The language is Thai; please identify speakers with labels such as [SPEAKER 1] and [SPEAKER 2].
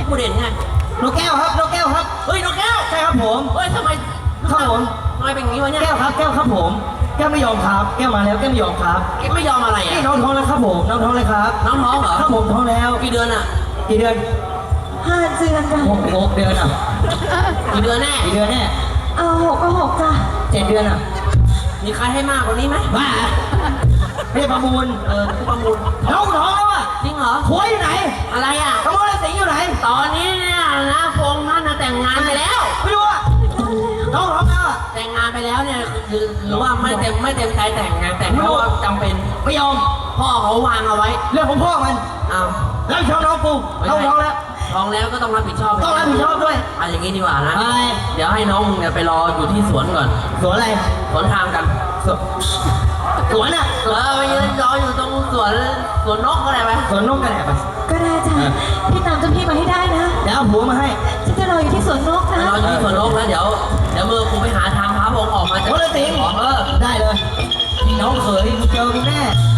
[SPEAKER 1] กูเด่นไง
[SPEAKER 2] นกแก้วครับนกแก้วครับ
[SPEAKER 1] เฮ้ยนกแก้ว
[SPEAKER 2] ใช่ครับผม
[SPEAKER 1] เฮ้ยทำไม
[SPEAKER 2] ครับผม
[SPEAKER 1] ทำไมเป็นอย่างนี้วะเนี่ย
[SPEAKER 2] แก้วครับแก้วครับผมแก้วไม่ยอมครับแก้วมาแล้วแก้วไม่ยอมครับ
[SPEAKER 1] แกไม่ยอมอะไรอ่ะ
[SPEAKER 2] นี่น้องท้องแล้วครับผมน้องท้องเลยครับ
[SPEAKER 1] น้องท้องเหรอ
[SPEAKER 2] ครับผมท้องแล้ว
[SPEAKER 1] กี่เดือนอ่ะ
[SPEAKER 2] กี่เดือน
[SPEAKER 3] 5 เดือนจ้ะ
[SPEAKER 2] 6 เดือนอ่ะ
[SPEAKER 1] กี่เดือนแน่
[SPEAKER 2] กี่เดือนแน่
[SPEAKER 3] เอา6 ก็ 6จ้ะ
[SPEAKER 2] 7 เดือนอ่ะ
[SPEAKER 1] มีใครให้มากกว่านี้ไหม
[SPEAKER 2] บ้าไม่ประมูล
[SPEAKER 1] ประมูล
[SPEAKER 2] น้องท้องแล้วอ่ะ
[SPEAKER 1] จริงเหรอ
[SPEAKER 2] ผัวอยู่ไหน
[SPEAKER 1] อะไรอ่ะ
[SPEAKER 2] ขโมยสิงอยู่ไหน
[SPEAKER 1] ตอนนี้เนี่ยนะพงษ์ท่านแต่งงานไปแล้ว
[SPEAKER 2] ไม่รู้อ่ะน้องท้องแล้วอ่ะ
[SPEAKER 1] แต่งงานไปแล้วเนี่ยคือว่าไม่เต็มใจแต่งงานแต่งเพราะว่าจำเป็น
[SPEAKER 2] ไม่ยอม
[SPEAKER 1] พ่อเขาวางเอาไว้
[SPEAKER 2] เรื่องของพ่อมัน
[SPEAKER 1] อ้าว
[SPEAKER 2] แล้วชอบน้องกูน้องท้องแล้ว
[SPEAKER 1] ท้องแล้วก็ต้องรับผิดชอบ
[SPEAKER 2] ต้องรับผิดชอบด้วย
[SPEAKER 1] อย่างนี้ดีกว่านะเดี๋ยวให้น้องมึงเนี่ยไปรออยู่ที่สวนก่อน
[SPEAKER 2] สวนอะไร
[SPEAKER 1] สวนทางกัน
[SPEAKER 2] สวนอ่ะ
[SPEAKER 1] ไปยืนรออยู่ตรงสวนนกก็ได้ไหม
[SPEAKER 2] สวนนกก็ได้ไป
[SPEAKER 3] ก็ได้จ้ะพี่ตามเจ้าพี่มาให้ได้นะ
[SPEAKER 2] เดี๋ยวเอาผัวมาให้
[SPEAKER 3] ฉันจะรออยู่ที่สวนนกนะ
[SPEAKER 1] รออยู่ที่สวนนกแล้วเดี๋ยวมือกูไปหาทางพระพงษ์ออกมาจาก
[SPEAKER 2] โอ้ยสิงได้เลยน้องเขยเจอกูแน่